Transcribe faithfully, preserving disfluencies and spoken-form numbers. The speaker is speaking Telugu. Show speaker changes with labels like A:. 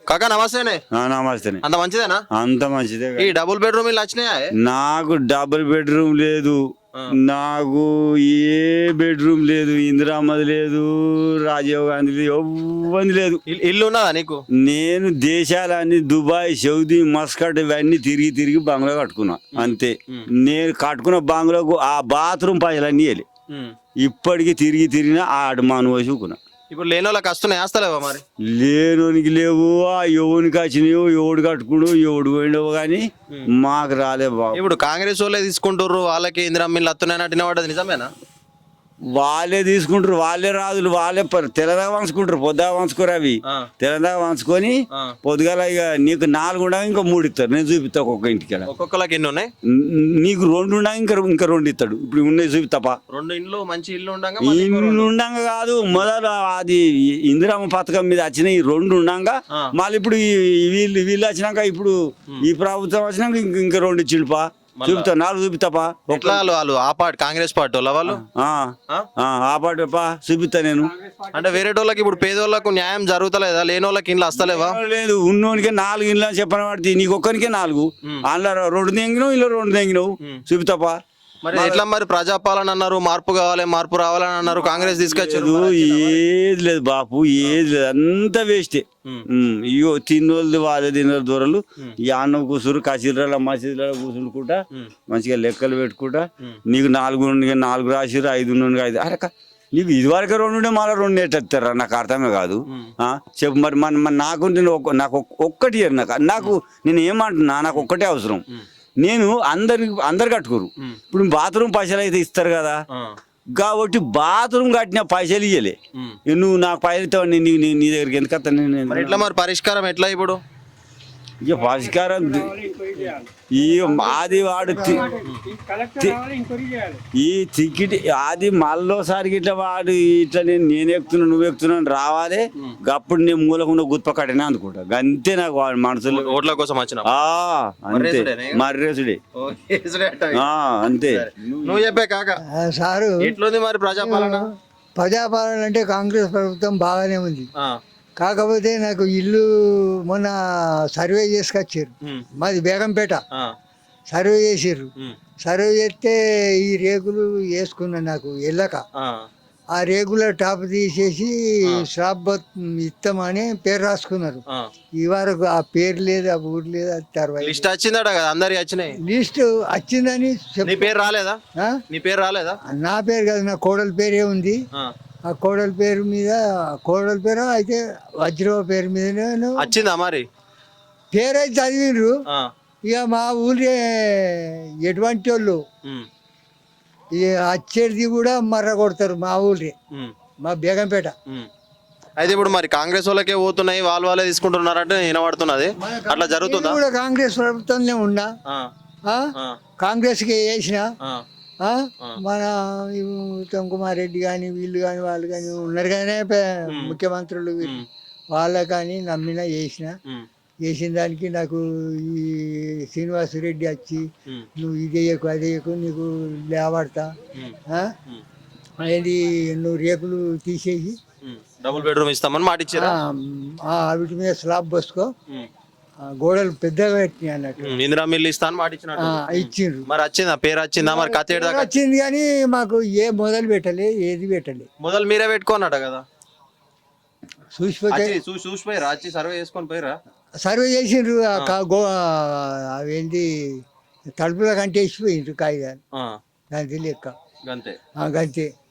A: కాకా నమస్తేనే.
B: నమస్తే.
A: అంత మంచిదేనా?
B: అంత మంచిదే.
A: ఈ డబుల్ బెడ్రూమ్ ఇల్లు వచ్చినాయా?
B: నాకు డబుల్ బెడ్రూమ్ లేదు, నాకు ఏ బెడ్రూమ్ లేదు, ఇందిరామ్మది లేదు, రాజీవ్ గాంధీ లేదు, ఎవ్వది లేదు.
A: ఇల్లు ఉన్నదా నీకు?
B: నేను దేశాలన్నీ దుబాయ్, సౌదీ, మస్కట్ ఇవన్నీ తిరిగి తిరిగి బంగ్లా కట్టుకున్నా అంతే. నేను కట్టుకున్న బంగ్లాకు ఆ బాత్రూమ్ పైసలన్నీ వెళ్ళి ఇప్పటికి తిరిగి తిరిగినా ఆ అడమాను చూకున్నా.
A: ఇప్పుడు లేని వాళ్ళకి వస్తున్నాయి, వేస్తలేవా మరి?
B: లేనోనికి లేవు, ఆ ఎవరికి వచ్చినాయో, ఎవడు కట్టుకుడు, ఎవడు పోయినావు కానీ మాకు రాలే బాబు.
A: ఇప్పుడు కాంగ్రెస్ వాళ్ళే తీసుకుంటారు, వాళ్ళకి ఇందిరమ్మ ఇల్లు వస్తున్నాయి అంటే పడ్డది నిజమేనా?
B: వాళ్ళే తీసుకుంటారు, వాళ్ళే రాజులు, వాళ్ళే తెల్లదాకా వంచుకుంటారు, పొద్దుగా వంచుకోరు అవి. తెల్లదాకా వంచుకొని పొద్దుగాల ఇక నీకు నాలుగు ఉండగా ఇంకా మూడు ఇస్తారు. నేను చూపిస్తా ఒక్కొక్క ఇంటికి.
A: ఒక్కొక్కలకి ఎన్ని ఉన్నాయి?
B: నీకు రెండు ఉండగా ఇంకా ఇంకా రెండు ఇస్తాడు. ఇప్పుడు ఉన్నాయి చూపిస్తాపా.
A: రెండు ఇండ్లు మంచి ఇల్లు ఉండగా
B: ఇల్లు ఉండగా కాదు, మొదలు అది ఇందిరమ్మ పథకం మీద వచ్చిన ఈ రెండు ఉండగా మళ్ళీ ఇప్పుడు వీళ్ళు వీళ్ళు వచ్చినాక ఇప్పుడు ఈ ప్రభుత్వం వచ్చినాక ఇంక ఇంకా రెండు ఇచ్చిండుపా. చూపుతా, నాలుగు చూపిస్తాపా.
A: వాళ్ళు ఆ పార్టీ కాంగ్రెస్ పార్టీ వాళ్ళ వాళ్ళు
B: ఆ పార్టీ పా చూపిస్తా నేను.
A: అంటే వేరే వాళ్ళకి ఇప్పుడు పేదోళ్ళకు న్యాయం జరుగుతలేదా? లేని వాళ్ళకి ఇండ్లు వస్తలేవా?
B: లేదు, ఉన్నోనికే నాలుగు ఇండ్లు అని చెప్పని పడితే నీకు ఒక్కరికే నాలుగు, అందులో రెండు తెంగినావు, ఇలా రెండు తెంగినావు. చూపిస్తాపా.
A: మరి ఎట్లా మరి ప్రజాపాలన అన్నారు, మార్పు కావాలి, మార్పు రావాలని అన్నారు, కాంగ్రెస్ తీసుకొచ్చారు.
B: ఏది లేదు బాపు, ఏది లేదు, అంతా వేస్టే. ఇగో తిన్నోళ్ళు వాళ్ళే తిన్న దూరలు ఈ అన్నం కూసురు కసిర్ల మసీదులలో కూర్చుంటుకుంటా మంచిగా లెక్కలు పెట్టుకుంటా. నీకు నాలుగు నాలుగు రాసిరు, ఐదు ఐదు. అరే నీకు ఇదివరకు రెండు ఉండే మళ్ళీ రెండు ఎట్టేస్తారా? నాకు అర్థమే కాదు. చెప్పు మరి మన నాకు నేను నాకు ఒక్కటి నాకు నాకు నేను ఏమంటున్నా, నాకు ఒక్కటే అవసరం. నేను అందరి అందరు కట్టుకోరు. ఇప్పుడు బాత్రూమ్ పైసలు అయితే ఇస్తారు కదా, కాబట్టి బాత్రూమ్ కట్టిన పైసలు ఇయ్యలే. నువ్వు నాకు పైసలు ఇస్తావు, నీ నీ దగ్గరికి ఎందుకు వస్తాను?
A: ఎట్లా మరి పరిష్కారం ఎట్లా ఇప్పుడు?
B: ఇక పరిష్కారం ఈ ఆది వాడు ఈ టికెట్ ఆది మళ్ళోసారికి ఇట్లా వాడు ఇట్లా నేను నేను ఎక్కుతున్నా నువ్వు ఎక్కుతున్నాను రావాలి. అప్పుడు నేను మూలకుండా గుత్ప కట్టినా అనుకుంటా. అంతే నాకు వాడు మనసులో
A: ఓట్ల కోసం వచ్చిన
B: అంతే మర్రేసుడే అంతే.
A: నువ్వు చెప్పే కాక
C: సారు
A: ఎట్లుంది మరి ప్రజాపాలన?
C: ప్రజాపాలన అంటే కాంగ్రెస్ ప్రభుత్వం బాగానే ఉంది. కాకపోతే నాకు ఇల్లు మొన్న సర్వే చేసుకొచ్చారు, మాది బేగంపేట. సర్వే చేసారు, సర్వే చేస్తే ఈ రేకులు వేసుకున్నా నాకు వెళ్ళక. ఆ రేకుల టాప్ తీసేసి స్లాబ్ ఇస్తామని పేరు రాసుకున్నారు. ఈ వరకు ఆ పేరు లేదు, ఆ ఊరు లేదు. అది
A: లిస్ట్ వచ్చిందట కదా, అందరికి వచ్చినాయి.
C: లిస్ట్ వచ్చిందని
A: నీ పేరు రాలేదా? నీ పేరు రాలేదా?
C: నా పేరు కాదు, నా కోడల పేరే ఉంది. ఆ కోడల పేరు మీద కోడల పేరు అయితే వజ్రవ పేరు మీద
A: వచ్చిందా మరి?
C: పేరు అయితే చదివిండ్రు. ఇక మా ఊళ్ళే ఎటువంటి వాళ్ళు ఇక వచ్చేది కూడా మర్ర కొడతారు మా ఊళ్ళే, మా బేగంపేట.
A: అయితే ఇప్పుడు మరి కాంగ్రెస్ వాళ్ళకే పోతున్నాయి, వాళ్ళు వాళ్ళే తీసుకుంటున్నారంటే వినబడుతున్నది. అట్లా జరుగుతుందా?
C: కూడా కాంగ్రెస్ ప్రభుత్వంలో ఉన్నా, కాంగ్రెస్ కి వేసిన మన ఉత్తమ్ కుమార్ రెడ్డి కానీ వీళ్ళు కానీ వాళ్ళు కానీ ఉన్నారు కానీ ముఖ్యమంత్రులు వాళ్ళ కానీ నమ్మిన చేసిన చేసిన దానికి నాకు ఈ శ్రీనివాసరెడ్డి వచ్చి నువ్వు ఇది వేయకు అది వేయకు నీకు లేవడతా అనేది నువ్వు రేకులు తీసేసి
A: డబుల్ బెడ్రూమ్ ఇస్తామని మాట ఇచ్చారు.
C: వీటి మీద స్లాబ్ పోసుకో, గోడలు పెద్దగా పెట్టినాయి అన్నట్టు.
A: ఇందిరమ్మ ఇల్లు ఇస్తా అని మాట
C: ఇచ్చిండ్రు.
A: మరి వచ్చిందా పేరు వచ్చిందా? మరి కథ
C: వచ్చింది కానీ మాకు ఏ మొదలు పెట్టలే, ఏది పెట్టలే.
A: మొదలు మీరే పెట్టుకోనట కదా,
C: చూసిపోతే
A: చూసిపోయారా? వచ్చి సర్వే చేసుకొని పోయిరా?
C: సర్వే చేసిండ్రు. అవేంటి తలుపుల కంటే వేసిపోయిండ్రు కాగితాలు, దాని లెక్క
A: అంతే
C: అంతే.